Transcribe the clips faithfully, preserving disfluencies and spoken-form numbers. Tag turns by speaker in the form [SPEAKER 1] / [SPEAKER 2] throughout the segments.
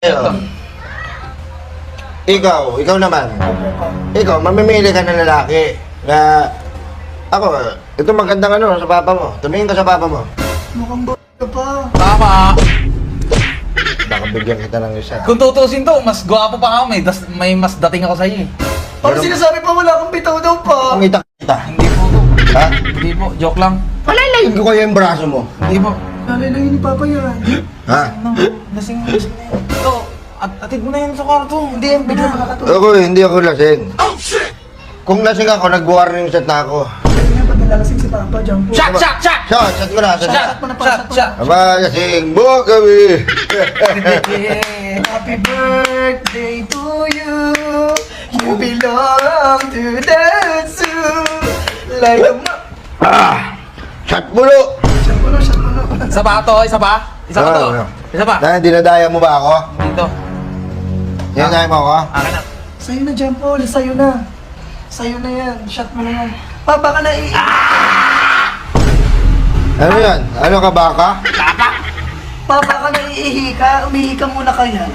[SPEAKER 1] Ayo. Ikaw, ikaw naman. Ikaw, mamimili ka ng lalaki. Na, ako, ito magandang ano sa papa mo. Tumingin ka sa papa mo.
[SPEAKER 2] Mukhang b*** ka pa.
[SPEAKER 3] Tama.
[SPEAKER 1] Baka bigyan kita ng isa.
[SPEAKER 3] Kung tutusin to, mas gwapo pa ako. May, das, may mas dating ako sa'yo eh.
[SPEAKER 2] Parang sinasabi pa wala kang bitaw daw pa.
[SPEAKER 1] Kumita kita.
[SPEAKER 3] Hindi po to.
[SPEAKER 1] Ha?
[SPEAKER 3] Hindi po. Joke lang.
[SPEAKER 1] Palalayin ko kayo yung braso mo.
[SPEAKER 3] Hindi po.
[SPEAKER 2] Nalalayin ni Papa yan.
[SPEAKER 1] Ha?
[SPEAKER 3] No, lasing lasing na yan. Ito, at atid mo na yan sa kwarto.
[SPEAKER 2] Hindi yan, bigla makakatulog.
[SPEAKER 1] Ako, hindi ako lasing. Kung lasing ako, nag-warning shot na ako.
[SPEAKER 2] Kaya nga, pag nalalasing si Papa, jump po.
[SPEAKER 3] Shot! Shot! Shot!
[SPEAKER 1] Shot, shot ko na, shot.
[SPEAKER 3] Shot! Shot! Shot!
[SPEAKER 1] Aba, lasing mo kami.
[SPEAKER 2] Happy birthday to you. You belong to the zoo. Like a ma...
[SPEAKER 1] Ah! Shot mulo!
[SPEAKER 2] Shot mo no, shot mo no.
[SPEAKER 3] Isa pa to? Isa pa? Isa pa to?
[SPEAKER 1] Ah,
[SPEAKER 3] Isa pa?
[SPEAKER 1] Dahil dinadaya mo ba ako?
[SPEAKER 3] Dito.
[SPEAKER 1] Dinadaya mo ako?
[SPEAKER 3] Akin na.
[SPEAKER 2] Sa'yo na, Jump Paul. Sa'yo na. Sa'yo na yan. Shot mo na yan. Papa ka na i...
[SPEAKER 1] Ano yan? Ano ka baka?
[SPEAKER 2] Papa ka na iihi ka. Umihi ka muna kaya.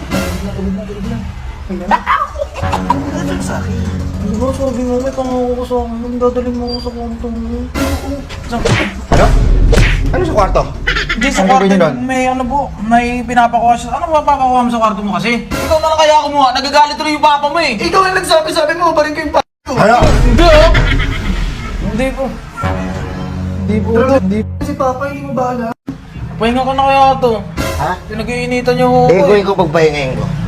[SPEAKER 2] Ano sa akin?
[SPEAKER 3] Diba sabi mo, may pangako ko sa akin. Dadalhin mo ako sa kwarto mo.
[SPEAKER 1] Ano? Ano sa kwarto?
[SPEAKER 3] Hindi sa
[SPEAKER 1] Ano
[SPEAKER 3] kwarto,
[SPEAKER 1] gawin nun?
[SPEAKER 3] may ano po, may pinapakuha siya. Ano mapapakuha mo sa kwarto mo kasi? Ikaw na lang kaya kumuha, nagagalit tuloy yung papa mo eh.
[SPEAKER 2] Ikaw ang nagsabi-sabi mo, barin ko yung pa*** ko.
[SPEAKER 1] Ano?
[SPEAKER 3] Hindi oh! Hindi po. Hindi po to. Hindi po.
[SPEAKER 2] Si Papa, hindi mo bahala.
[SPEAKER 3] Pahinga ko na kaya to.
[SPEAKER 1] Ha?
[SPEAKER 3] Pinag-iinitan niyo ako
[SPEAKER 1] Eh,
[SPEAKER 3] eh.
[SPEAKER 1] gawin ko pagpahingayin ko.